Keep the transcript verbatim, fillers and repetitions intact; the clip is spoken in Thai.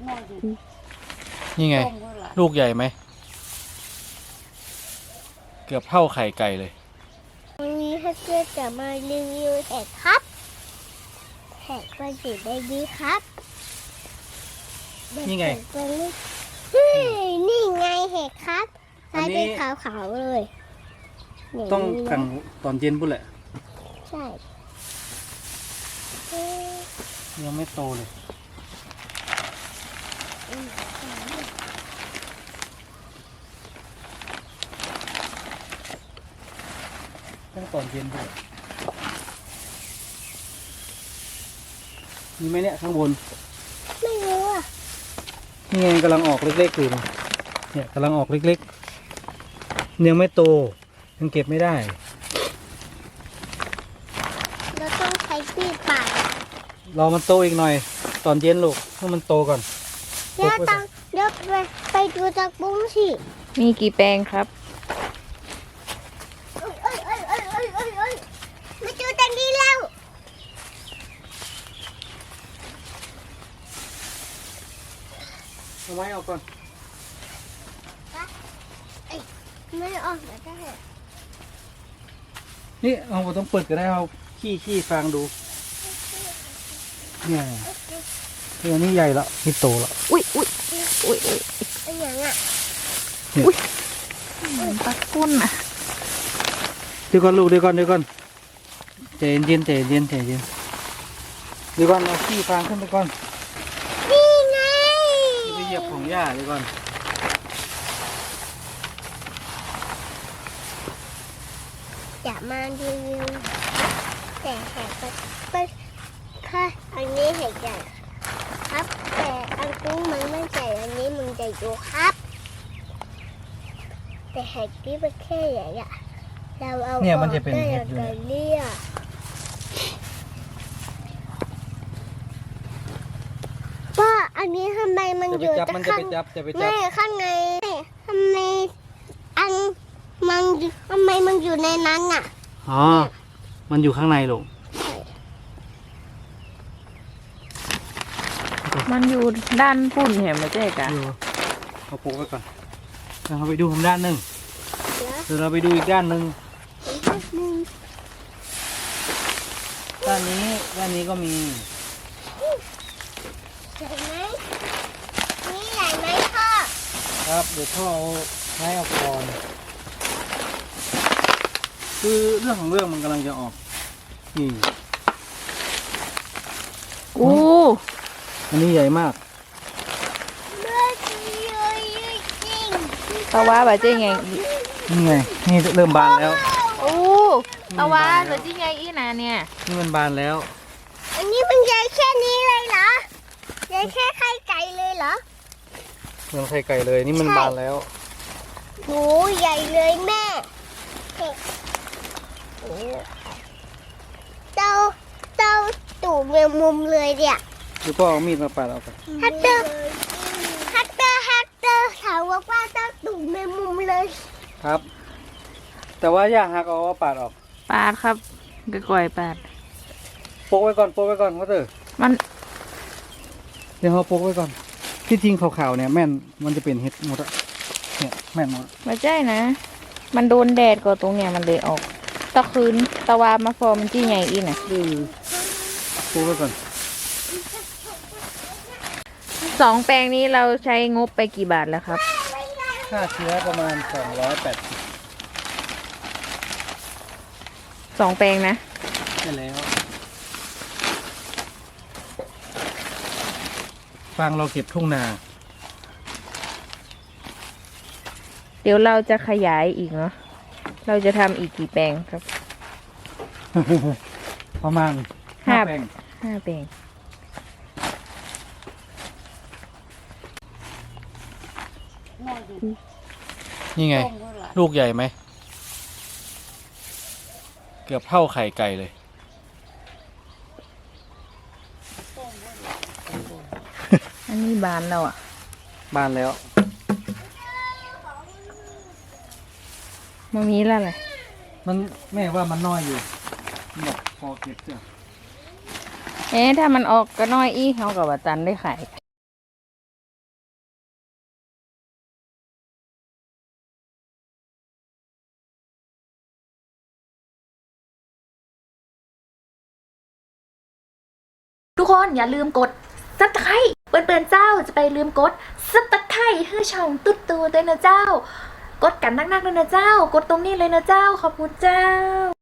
นี่ไงลูกใหญ่ไหมเกือบเท่าไข่ไก่เลยวันนี้ถ้าเกิดจะมารีวิวเห็ดครับเห็ดก็อยู่ได้ดีครับนี่ไงเฮ้ยนี่ไงเห็ดครับใช้เป็นขาวๆเลยต้องกลางตอนเย็นปุ๊บแหละใช่ยังไม่โตเลยต้องตอนเย็นด้วยมีไหมเนี่ยข้างบนไม่รู้อ่ะนี่ไงกำลังออกเล็กๆอยู่เนี่ยกำลังออกเล็กๆยังไม่โตยังเก็บไม่ได้เราต้องใช้ปีดปาดรอมันโตอีกหน่อยตอนเย็นลูกให้มันโตก่อนเดี๋ยวตังเดี๋ยวไปไปดูจากบุ้งสิมีกี่แปลงครับมาดูตังนี้แล้วเอาไม้ออกก่อนไม่ออกแล้วได้นี่เอาต้องเปิดก็ได้เอาขี้ขี้ฟางดูเนี่ยตัวนี้ใหญ่แล้วนี่โตแล้วอุ้ยอุ้ยอุ้ยอุ้ยไอ้ยังอ่ะอุ้ยตะกุ่นอ่ะเดี๋ยวก่อนลูกเดี๋ยวก่อนเดี๋ยวก่อนใจเย็นใจเย็นใจเย็นเดี๋ยวก่อนเอาขี้ฟางขึ้นไปก่อนนี่ไงไปเหยียบของหญ้าเดี๋ยวก่อนอย่ามาดูวิวแต่แหกไปค่ะอันนี้เห็ดใหญ่ครับแต่อันกุ้งมันไม่ใหญ่อันนี้มันใหญ่ดูครับแต่เห็ดที่มันแค่ใหญ่อะเราเอาเนี่ยมันจะเป็นเห็ดเลยเลี่ยป้าอันนี้ทำไมมันอยู่ข้างไม่ข้างในทำไมอันมันทำไมมันอยู่ในนั้นอ่ะอ๋อมันอยู่ข้างในลูกมันอยู่ด้านปุ่นเห็นไหมเจ๊กะเอาปลูกไว้ก่อนเราไปดูทางด้านหนึ่งเดี๋ยวเราไปดูอีกด้านหนึ่งด้านนี้ด้านนี้ก็มีใหญ่ไหมนี่ใหญ่ไหมพ่อครับเดี๋ยวพ่อเอาไม้ออกก่อนคือเรื่องของเรื่องมันกำลังจะออกนี่โอ้อันนี้ใหญ่มากตะวาแบบเจ๊ไงนี่ไงนี่เริ่มบานแล้วโอ้ตะวาแบบเจ๊ไงอีน่ะเนี่ยนี่มันบานแล้วอันนี้มันใหญ่แค่นี้เลยเหรอใหญ่แค่ไข่ไก่เลยเหรอเหมือนไข่ไก่เลยนี่มันบานแล้วโหใหญ่เลยแม่เจ้าเจ้าตู่เมืองมุมเลยเนี่ยดูพ่อเอามีดมาปาดเอาไปฮัตเตอร์ฮัตเตอร์ฮัตเตอร์ถามว่าป้าเจ้าตู่เมืองมุมเลยครับแต่ว่าอย่าหักเอาปาดออกปาดครับก่อยปาดโปกไว้ก่อนโปกไว้ก่อนเขาเถอะมันเดี๋ยวเขาโปกไว้ก่อนที่จริงขาวๆเนี่ยแม่นมันจะเป็นเห็ดหมดอะเนี่ยแม่นหมดไม่ใช่นะมันโดนแดดก็ตรงเนี้ยมันเลยออกตะคืนตะวามาฟอมันจี้ไงอีน่ะโปกไว้ก่อนสองแปลงนี้เราใช้งบไปกี่บาทแล้วครับค่าเชื้อประมาณสองร้อยแปดสิบสองแปลงนะใช่แล้วฟางเราเก็บทุ่งนาเดี๋ยวเราจะขยายอีกเนาะเราจะทำอีกกี่แปลงครับประมาณห้าแปลงห้าแปลงนี่ไงลูกใหญ่ไหมเกือบเท่าไข่ไก่เลยอันนี้บานแล้วอ่ะบานแล้วมันมีแล้วเลยมันแม่ว่ามันน้อยอยู่แบบพอเก็บเสื้อเอ๊ะถ้ามันออกก็น้อยอีเขากับว่าจันได้ขายทุกคนอย่าลืมกดซับสไครต์เปิ่นๆเจ้าจะไปลืมกดซับสไครต์ให้ช่องตุ๊ดตูด้วยนะเจ้า กดกันนักๆเลยนะเจ้า กดตรงนี้เลยนะเจ้าขอบคุณเจ้า